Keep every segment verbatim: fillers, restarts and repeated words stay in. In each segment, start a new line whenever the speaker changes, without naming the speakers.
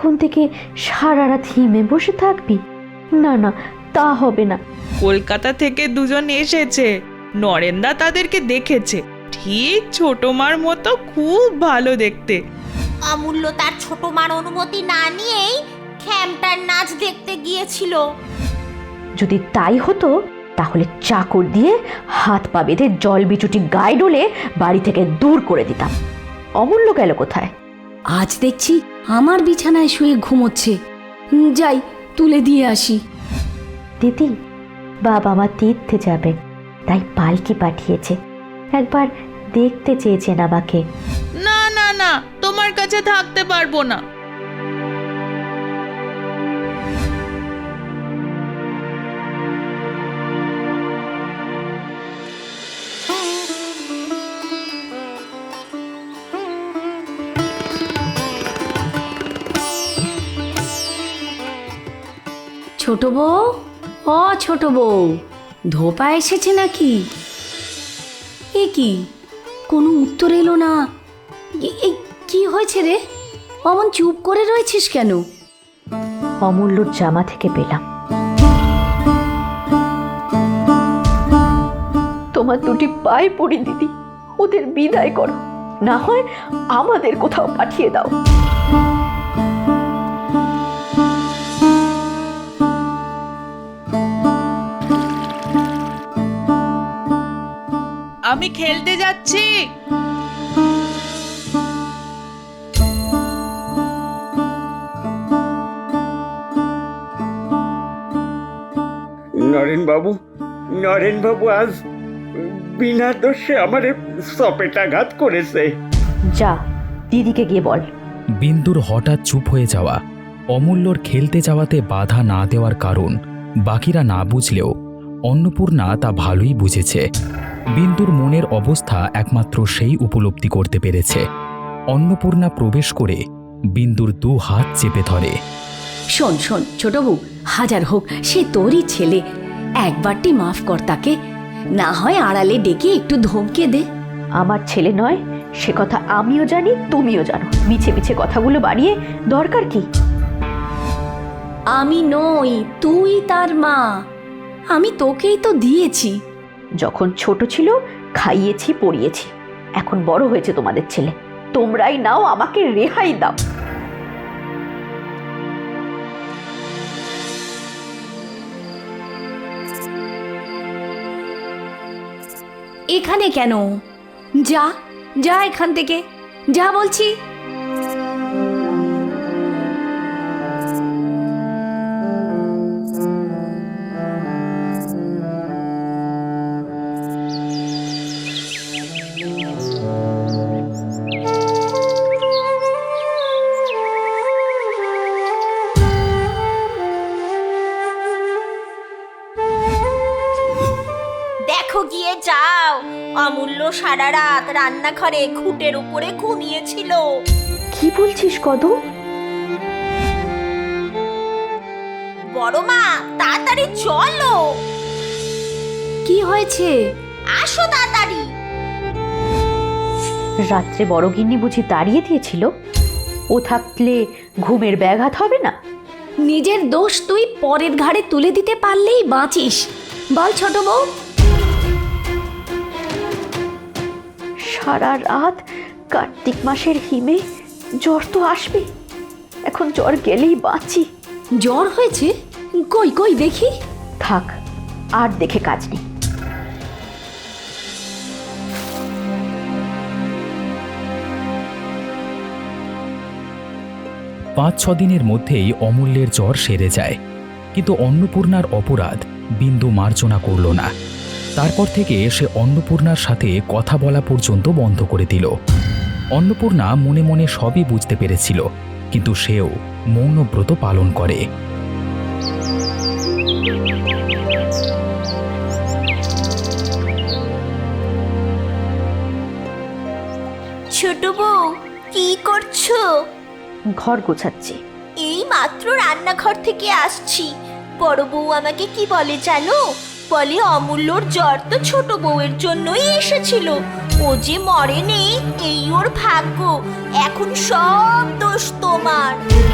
এখন থেকে সারা রাত হিমে বসে থাকবি? না না, তা হবে না।
কলকাতা থেকে দুজন এসেছে, নরেনদা তাদেরকে দেখেছে, ঠিক ছোট মার মতো, খুব ভালো দেখতে।
অমূল্য তার ছোট মার অনুমতি না নিয়েই খ্যামটার নাচ দেখতে গিয়েছিল।
যদি তাই হতো তাহলে চাকর দিয়ে হাত পা বেঁধে জল বিচুটি গায়ে ডলে বাড়ি থেকে দূর করে দিতাম। অমূল্য গেল কোথায়?
আজ দেখছি আমার বিছানায় শুয়ে ঘুমোচ্ছে। যাই, তুলে দিয়ে আসি।
দিদি, বাবা মা তীর্থে যাবে, তাই পালকি পাঠিয়েছে। একবার দেখতে চেয়েছেন আমাকে।
না না না, তোমার কাছে থাকতে পারবো না।
ছোট বউ, ও ছোট বউ, ধোপা এসেছে নাকি? এ কি, কোনো উত্তর এলো না। এ- এ কি হয়েছে রে? অমন চুপ করে রয়েছিস কেন?
অমূল্যর জামা থেকে পেলাম। তোমার দুটি পায়ে পড়ি দিদি, ওদের বিদায় করো, না হয় আমাদের কোথাও পাঠিয়ে দাও।
আমি খেলতে যাচ্ছি।
নরেন বাবু, নরেন বাবু আজ বিনা দোষে আমারে সপেটাঘাত করেছে।
যা, দিদিকে গিয়ে বল।
বিন্দুর হঠাৎ চুপ হয়ে যাওয়া, অমূল্যর খেলতে যাওয়াতে বাধা না দেওয়ার কারণ বাকিরা না বুঝলেও অন্নপূর্ণা তা ভালোই বুঝেছে। বিন্দুর মনের অবস্থা একমাত্র সেই উপলব্ধি করতে পেরেছে। অন্নপূর্ণা প্রবেশ করে বিন্দুর দু হাত চেপে ধরে।
শোন শোন ছোট বউ, হাজার হোক সে তোরই ছেলে, একবারটি মাফ কর তাকে। না হয় আড়ালে ডেকে একটু ধমকে দে।
আমার ছেলে নয় সে কথা আমিও জানি, তুমিও জানো। মিছে মিছে কথাগুলো বাড়িয়ে দরকার কি?
আমি নই, তুই তার মা। আমি তোকেই তো দিয়েছি।
যখন ছোট ছিল খাইয়েছি, পড়িয়েছি। এখন বড় হয়েছে তোমাদের ছেলে, তোমরাই নাও, আমাকে রেহাই দাও।
এখানে কেন? যা যা এখান থেকে, যা বলছি।
দেখো গিয়ে যাও, অমূল্য সারা রাত রান্নাঘরে খুঁটের উপরে ঘুমিয়েছিল।
কি বলছিস কদম?
বড় মা, তাড়াতাড়ি চলো।
কি হয়েছে?
আসো তাড়াতাড়ি।
রাত্রে বড় গিন্নি বুঝি তাড়িয়ে দিয়েছিল? ও থাকলে ঘুমের ব্যাঘাত হবে না?
নিজের দোষ তুই পরের ঘাড়ে তুলে দিতে পারলেই বাঁচিস। বল ছোট বউ।
সারা রাত কার্তিক মাসের হিমে, জ্বর তো আসবে। এখন জ্বর গেলেই বাঁচি।
জ্বর হয়েছে? কই কই দেখি।
থাক, আর দেখে কাজ নেই।
পাঁচ ছ দিনের মধ্যেই অমূল্যের জ্বর সেরে যায়। কিন্তু অন্নপূর্ণার অপরাধ বিন্দু মার্জনা করল না। তারপর থেকে সে অন্নপূর্ণার সাথে কথা বলা পর্যন্ত বন্ধ করে দিল। অন্নপূর্ণা মনে মনে সবই বুঝতে পেরেছিল, কিন্তু সেও মৌনব্রত পালন করে।
ছোট বউ, কি করছো?
ঘর গোছাচ্ছি।
এই মাত্র রান্নাঘর থেকে আসছি। বড় বউ আমাকে কি বলে জানো? বলে অমূল্যর জ্বর তো ছোট বউয়ের জন্যই এসেছিল, ও যে মরেনি এই ওর ভাগ্য, এখন সব দোষ তোমার।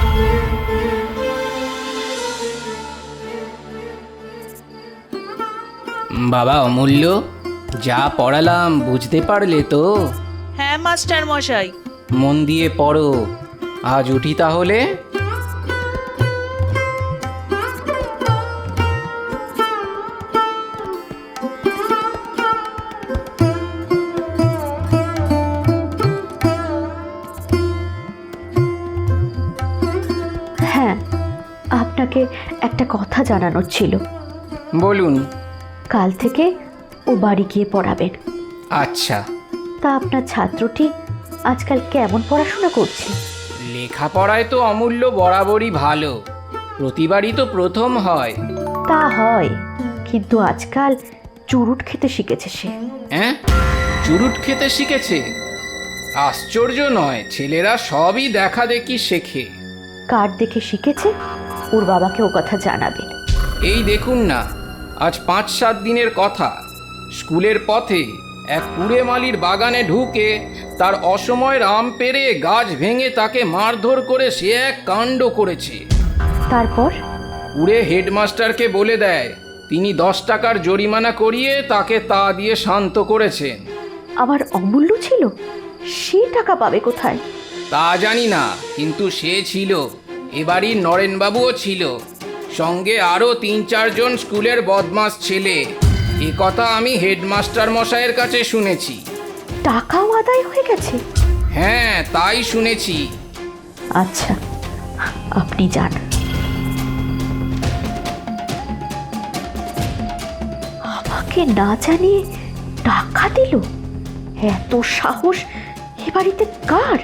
বাবা অমূল্য, যা পড়ালাম বুঝতে পারলে তো?
হ্যাঁ মাস্টার মশাই।
মন দিয়ে পড়ো। আজ উঠি তাহলে।
হ্যাঁ, আপনাকে একটা কথা জানানোর ছিল।
বলুন।
কাল থেকে ও বাড়ি গিয়ে পড়াবেন।
আচ্ছা।
তা আপনার ছাত্রটি আজকাল কেমন পড়াশোনা করছে?
লেখাপড়ায় তো অমূল্য বরাবরই ভালো, প্রতিবারই তো প্রথম হয়।
তা হয়, কিন্তু আজকাল চুরুট খেতে শিখেছে সে।
হ্যাঁ, চুরুট খেতে শিখেছে? আশ্চর্য নয়, ছেলেরা সবই দেখা দেখি শেখে।
কার দেখে শিখেছে ওর বাবাকে ও কথা জানাবেন।
এই দেখুন না, আজ পাঁচ সাত দিনের কথা, স্কুলের পথে এক কুড়ে মালির বাগানে ঢুকে তার অসময়ের আম পেড়ে গাছ ভেঙে তাকে মারধর করে সে এক কাণ্ড করেছে।
তারপর
কুড়ে হেডমাস্টারকে বলে দেয়, তিনি দশ টাকার জরিমানা করিয়ে তাকে তা দিয়ে শান্ত করেছেন।
আমার অমূল্য ছিল, সে টাকা পাবে কোথায়?
তা জানি না, কিন্তু সে ছিল। এবারই নরেনবাবুও ছিল, সঙ্গে আরও তিন চারজন স্কুলের বদমাস ছেলে। এ কথা আমি হেডমাস্টার মশাইয়ের কাছে শুনেছি।
টাকাও আদায় হয়ে গেছে?
হ্যাঁ, তাই শুনেছি।
আচ্ছা, আপনি যান। আমাকে না জানিয়ে টাকা দিল? এত সাহস এ বাড়িতে কার?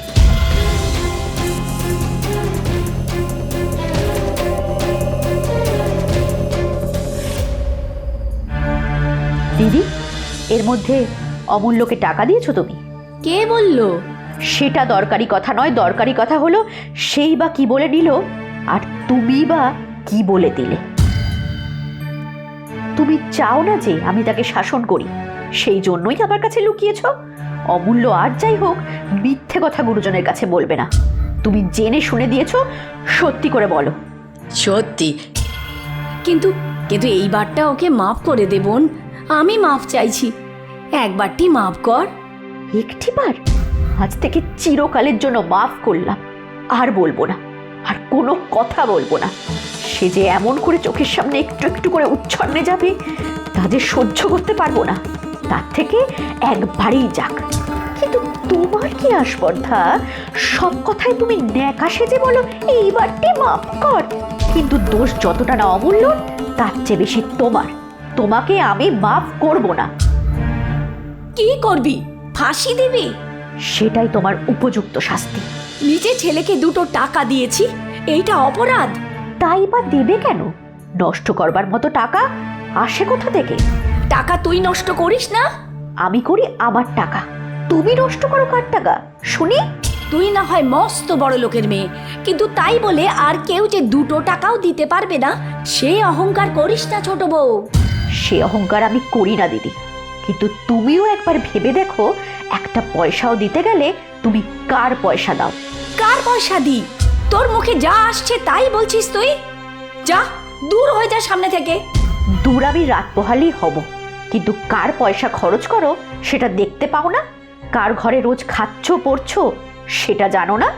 দিদি, এর মধ্যে অমূল্যকে টাকা দিয়েছো তুমি?
কে বললো?
সেটা দরকারি কথা নয়, দরকারি কথা হলো সেই বা কি বলে দিল, আর তুমি বা কি বলে দিলে। তুমি চাও না যে আমি তাকে শাসন করি, সেই জন্যই আমার কাছে লুকিয়েছ। অমূল্য আর যাই হোক, মিথ্যে কথা গুরুজনের কাছে বলবে না। তুমি জেনে শুনে দিয়েছো, সত্যি করে বলো।
সত্যি। কিন্তু কিন্তু এইবারটা ওকে মাফ করে দে বোন, আমি মাফ চাইছি, একবারটি মাফ কর।
একটিবার? আজ থেকে চিরকালের জন্য মাফ করলাম, আর বলবো না, আর কোনো কথা বলবো না। সে যে এমন করে চোখের সামনে একটু একটু করে উচ্ছন্নে যাবে, তা যে সহ্য করতে পারবো না। তার থেকে একবারেই যাক। কিন্তু তোমার কি আস্পর্ধা, সব কথায় তুমি ন্যাকা সেজে বলো এইবারটি মাফ কর। কিন্তু দোষ যতটা না অমূল্য, তার চেয়ে বেশি তোমার। তোমাকে আমি মাফ করব না।
কি করবি? ফাঁসি দিবি?
সেটাই তোমার উপযুক্ত শাস্তি।
নিজে ছেলেকে দুটো টাকা দিয়েছি, এইটা অপরাধ?
তাই বা দেবে কেন? নষ্ট করবার মতো টাকা আসে কোথা থেকে?
টাকা তুই নষ্ট করিস না?
আমি করি আমার টাকা, তুমি নষ্ট করো কার টাকা শুনি?
তুই না হয় মস্ত বড় লোকের মেয়ে, কিন্তু তাই বলে আর কেউ যে দুটো টাকাও দিতে পারবে না, সে অহংকার করিস না ছোট বউ।
সে অহংকার আমি করি না দিদি, কিন্তু তুমিও একবার ভেবে দেখো, একটা পয়সাও দিতে গেলে তুমি কার পয়সা দাও?
কার পয়সা দি? তোর মুখে যা আসছে তাই বলছিস তুই। যা, দূর হয়ে যা সামনে থেকে।
দূর আমি রাত পোহালি হব, কিন্তু কার পয়সা খরচ করো সেটা দেখতে পাও না? কার ঘরে রোজ খাচ্ছ পড়ছো সেটা জানো না?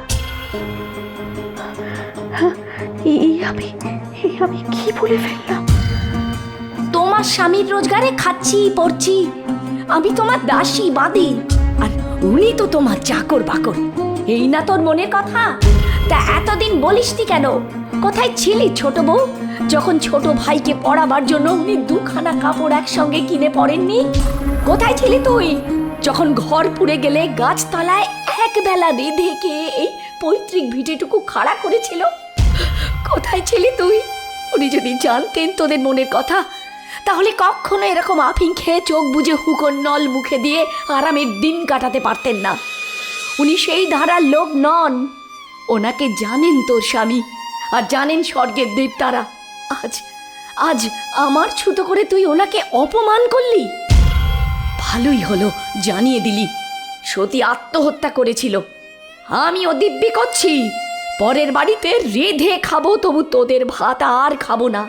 এই আমি এই আমি কি বলে ফেললাম?
তোমার স্বামীর রোজগারে খাচ্ছি পড়ছি, আমি তোমার দাসী বাদী, আর উনি তো তোমার চাকর বাকর। এই না তোর মনের কথা? তা এতদিন বলিসনি কেন? কোথায় ছিলি ছোট বউ, যখন ছোট ভাইকে পড়াবার জন্য উনি দুখানা কাপড় একসঙ্গে কিনে পড়েননি? কোথায় ছিলি তুই যখন ঘর পুড়ে গেলে গাছতলায় একবেলা রেঁধে কে এই পৈতৃক ভিটেটুকু খাড়া করেছিল? কোথায় ছিলি তুই? উনি যদি জানতেন তোদের মনের কথা, তাহলে কখনো এরকম আফিং খেয়ে চোখ বুজে হুকোর নল মুখে দিয়ে আরামের দিন কাটাতে পারতেন না। উনি সেই ধারার লোক নন। ওনাকে জানেন তোর স্বামী, আর জানেন স্বর্গের দেবতারা। আজ আজ আমার ছুতো করে তুই ওনাকে অপমান করলি। ভালোই হলো জানিয়ে দিলি। সতী আত্মহত্যা করেছিল, আমিও দিব্যি করছি পরের বাড়িতে রেঁধে খাবো, তবু তোদের ভাত আর খাবো না।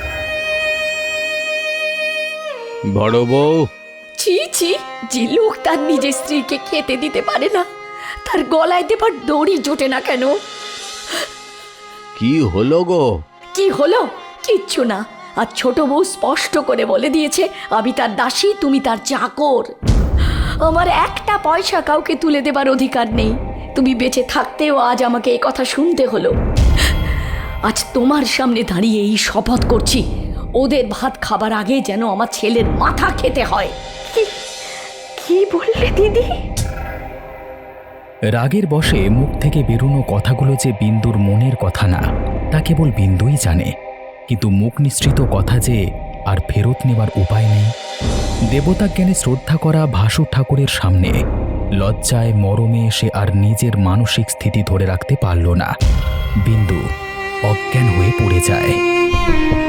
বড় বউ,
ছি ছি, যে লোক তার নিজের স্ত্রীকে খেতে দিতে পারে না, তার গলায় দেবার দড়ি জোটে না কেন?
কি হলো গো?
কি হলো? কিচ্ছু না। আর ছোট বউ স্পষ্ট করে বলে দিয়েছে আমি তার দাসী, তুমি তার চাকর। আমার একটা পয়সা কাউকে তুলে দেবার অধিকার নেই। তুমি বেঁচে থাকতেও আজ আমাকে এই কথা শুনতে হলো। আজ তোমার সামনে দাঁড়িয়ে এই শপথ করছি, ওদের ভাত খাবার আগে যেন আমার ছেলের মাথা খেতে হয়।
কি বললে দিদি?
রাগের বশে মুখ থেকে বেরোনো কথাগুলো যে বিন্দুর মনের কথা না, তা কেবল বিন্দুই জানে। কিন্তু মুখ নিঃসৃত কথা যে আর ফেরত নেবার উপায় নেই। দেবতা জ্ঞানে শ্রদ্ধা করা ভাসুর ঠাকুরের সামনে লজ্জায় মরমে সে আর নিজের মানসিক স্থিতি ধরে রাখতে পারল না। বিন্দু অজ্ঞান হয়ে পড়ে যায়।